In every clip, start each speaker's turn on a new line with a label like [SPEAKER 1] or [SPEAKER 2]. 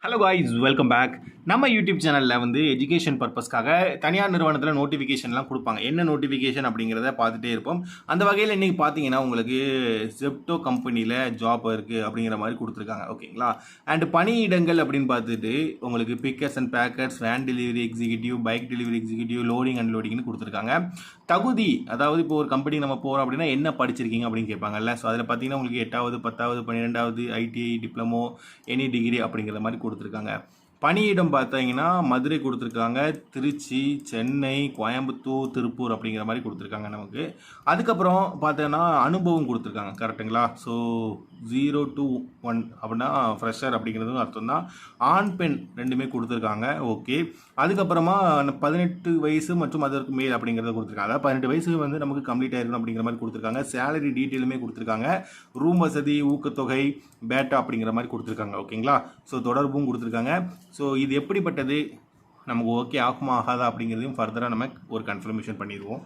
[SPEAKER 1] Hello guys, welcome back. நம்ம YouTube சேனலில் வந்து எஜுகேஷன் பர்பஸ்க்காக தனியார் நிறுவனத்தில் நோட்டிஃபிகேஷன்லாம் கொடுப்பாங்க. என்ன நோட்டிஃபிகேஷன் அப்படிங்கிறத பார்த்துட்டே இருப்போம். அந்த வகையில் இன்றைக்கி பார்த்தீங்கன்னா உங்களுக்கு ஜெப்டோ கம்பெனியில் ஜாப் இருக்குது அப்படிங்கிற மாதிரி கொடுத்துருக்காங்க. ஓகேங்களா? அண்ட் பணியிடங்கள் அப்படின்னு பார்த்துட்டு உங்களுக்கு pickers and packers, van delivery executive, bike delivery executive, loading and லோடிங்னு கொடுத்துருக்காங்க. தகுதி, அதாவது இப்போ ஒரு கம்பெனி நம்ம போகிறோம் அப்படின்னா என்ன படிச்சிருக்கீங்க அப்படின்னு கேட்பாங்கல்ல. ஸோ அதில் பார்த்தீங்கன்னா உங்களுக்கு 8வது 10வது 12வது ஐடிஐ, டிப்ளமோ, எனி டிகிரி அப்படிங்கிற மாதிரி கொடுத்துருக்காங்க. பணியிடம் பார்த்தீங்கன்னா மதுரை கொடுத்துருக்காங்க, திருச்சி, சென்னை, கோயம்புத்தூர், திருப்பூர் அப்படிங்கிற மாதிரி கொடுத்துருக்காங்க நமக்கு. அதுக்கப்புறம் பார்த்தோன்னா அனுபவம் கொடுத்துருக்காங்க. கரெக்டுங்களா? ஸோ 0 to 1 அப்படின்னா ஃப்ரெஷர் அப்படிங்கிறதும் அர்த்தம் தான். ஆண் பெண் ரெண்டுமே கொடுத்துருக்காங்க. ஓகே. அதுக்கப்புறமா 18 வயசு மற்றும் அதற்கு மேல் அப்படிங்கிறத கொடுத்துருக்காங்க. அதாவது 18 வயசு வந்து நமக்கு கம்ப்ளீட் ஆயிருக்கணும் அப்படிங்கிற மாதிரி கொடுத்துருக்காங்க. சேலரி டீட்டெயிலுமே கொடுத்துருக்காங்க. ரூம் வசதி, ஊக்கத்தொகை, பேட்டா அப்படிங்கிற மாதிரி கொடுத்துருக்காங்க. ஓகேங்களா? ஸோ தொடர்பும் கொடுத்துருக்காங்க. ஸோ இது எப்படிப்பட்டது, நமக்கு ஓகே ஆகுமா ஆகாதா அப்படிங்கிறதையும் ஃபர்தராக நம்ம ஒரு கன்ஃபர்மேஷன் பண்ணிடுவோம்.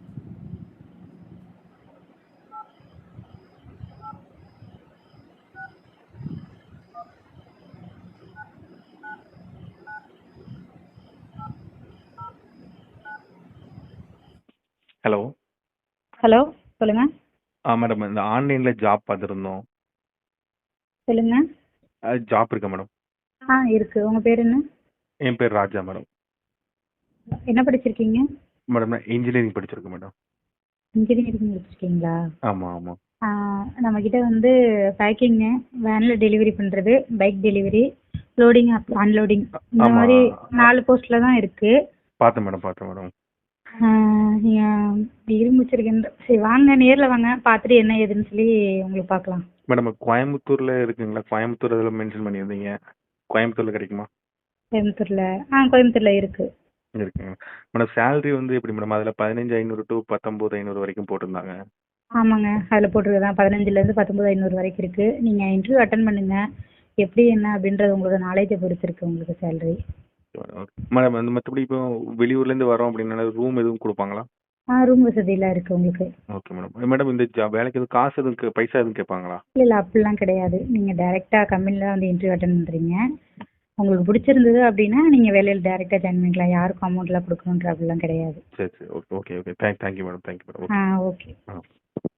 [SPEAKER 2] ஹலோ.
[SPEAKER 3] ஹலோ, சொல்லுங்க.
[SPEAKER 2] மேடம், இந்த ஆன்லைனில் ஜாப் பார்த்துருந்தோம்.
[SPEAKER 3] சொல்லுங்க.
[SPEAKER 2] ஜாப் இருக்கா மேடம்?
[SPEAKER 3] இருக்கு. உங்க பேர் என்ன?
[SPEAKER 2] என் பேர் ராஜா மேடம்.
[SPEAKER 3] என்ன படிச்சிருக்கீங்க?
[SPEAKER 2] மேடம், நான் இன்ஜினியரிங் படிச்சிருக்கேன் மேடம்.
[SPEAKER 3] இன்ஜினியரிங் படிச்சிருக்கீங்களா?
[SPEAKER 2] ஆமாம் ஆமாம்.
[SPEAKER 3] நம்ம கிட்ட வந்து பேக்கிங்கு, வேன்ல டெலிவரி பண்றது, பைக் டெலிவரி, லோடிங் அன்லோடிங், இந்த
[SPEAKER 2] ஆமா.
[SPEAKER 3] மாதிரி 4 போஸ்ட்ல தான் இருக்கு.
[SPEAKER 2] பார்த்தேன் மேடம்.
[SPEAKER 3] நீங்க டிகிரி முடிச்சிருக்கீங்க. சரி, வாங்க நேர்ல வாங்க, பார்த்துட்டு என்ன ஏதுன்னு சொல்லி உங்களுக்கு பார்க்கலாம்.
[SPEAKER 2] மேடம், கோயம்புத்தூரில் இருக்குங்களா? கோயம்புத்தூர் அதில் மென்ஷன் பண்ணியிருந்தீங்க. கோயம்புத்தூரில் கிடைக்குமா?
[SPEAKER 3] கோயம்புத்தூர்ல கோயம்புத்தூர்ல இருக்கு.
[SPEAKER 2] இருக்குங்க மேடம். சேலரி வந்து எப்படி மேடம்? அதில் 15,500 to 19,500 வரைக்கும் போட்டிருந்தாங்க.
[SPEAKER 3] ஆமாங்க, அதில் போட்டிருக்கதான் 15லேருந்து 19,500 வரைக்கும் இருக்கு. நீங்க இன்டர்வியூ அட்டன் பண்ணுங்க. எப்படி என்ன அப்படின்றது உங்களோட நாலேஜை பொறுத்து இருக்கு உங்களுக்கு சேலரி.
[SPEAKER 2] மேடம், அந்த மற்றபடி இப்போ வெளியூர்லேருந்து வரோம் அப்படின்னா ரூம் எதுவும் கொடுப்பாங்களா?
[SPEAKER 3] ரூம் வசதியெல்லாம் இருக்கு உங்களுக்கு.
[SPEAKER 2] Okay madam. மேடம், இந்த வேலைக்கு எதுவும் காசு எதுவும் பைசா எதுவும் கேட்பாங்களா?
[SPEAKER 3] இல்லை அப்படிலாம் கிடையாது. நீங்கள் டைரெக்டாக கம்பெனியில் வந்து இன்டர்வியூ அட்டன் பண்ணுறீங்க. உங்களுக்கு பிடிச்சிருந்தது அப்படின்னா நீங்கள் வேலையில் டைரெக்டாக ஜாயின் பண்ணிக்கலாம். யாருக்கும் அமௌண்ட்லாம் கொடுக்கணுன்ற அப்படிலாம் கிடையாது.
[SPEAKER 2] சரி. ஓகே. Thank you madam.
[SPEAKER 3] ஓகே.